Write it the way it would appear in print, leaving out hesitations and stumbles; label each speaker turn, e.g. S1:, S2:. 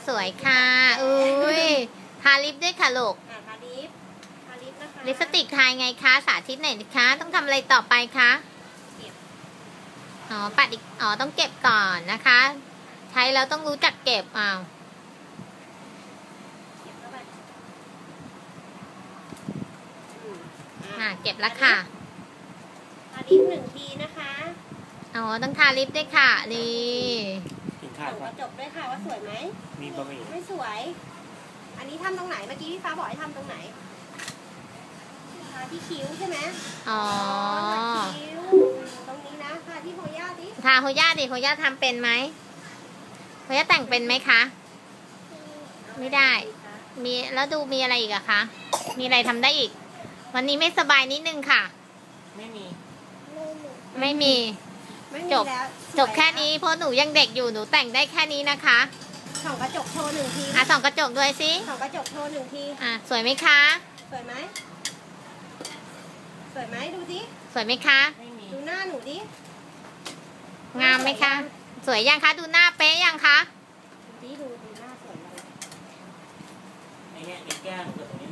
S1: สวยค่ะอุ้ยทาลิปด้วยค่ะลูก
S2: ทาลิปนะคะ
S1: ลิปสติกทายไงคะสาธิตหน่อยนะคะต้องทำอะไรต่อไปคะปัดอีกต้องเก็บก่อนนะคะใช้แล้วต้องรู้จักเก็บเก็บแล้วค่ะ
S2: ทาลิป1 ทีนะคะ
S1: ต้องทาลิปด้วยค่ะนี่
S2: ส่องกระจกด้วยค่ะว่าสวยไหม
S3: มีบะหมี่
S2: ไม่สวยอันนี้ทำตรงไหนเมื่อกี้พี่ฟ้าบอกให้ทำตรงไหนทาที่คิ้วใช่ไหมคิ้วตรงนี้นะทาที่โฮย่าดิ
S1: ทาโฮย่าดิโฮย่าทำเป็นไหมโฮย่าแต่งเป็นไหมคะไม่ได้มีแล้วดูมีอะไรอีกอะคะมีอะไรทำได้อีกวันนี้ไม่สบายนิดนึงค่ะไม่มีจบแค่นี้เพราะหนูยังเด็กอยู่หนูแต่งได้แค่นี้นะคะ
S2: ส่องกระจกโชว์1 ที
S1: ส่องกระจกด้วยสิ
S2: ส่องกระจกโชว์1 ที
S1: สวยไหมคะ
S2: สวยไหมดูสิ
S1: สวยไหมคะ
S2: ดูหน้าหนูดิ
S1: งามไหมคะสวยยังคะดูหน้าเป๊ะยังคะ
S2: ดูหน้าสวยเลย
S3: ไอ้เนี่ยเด็กแก้มกับตรงนี้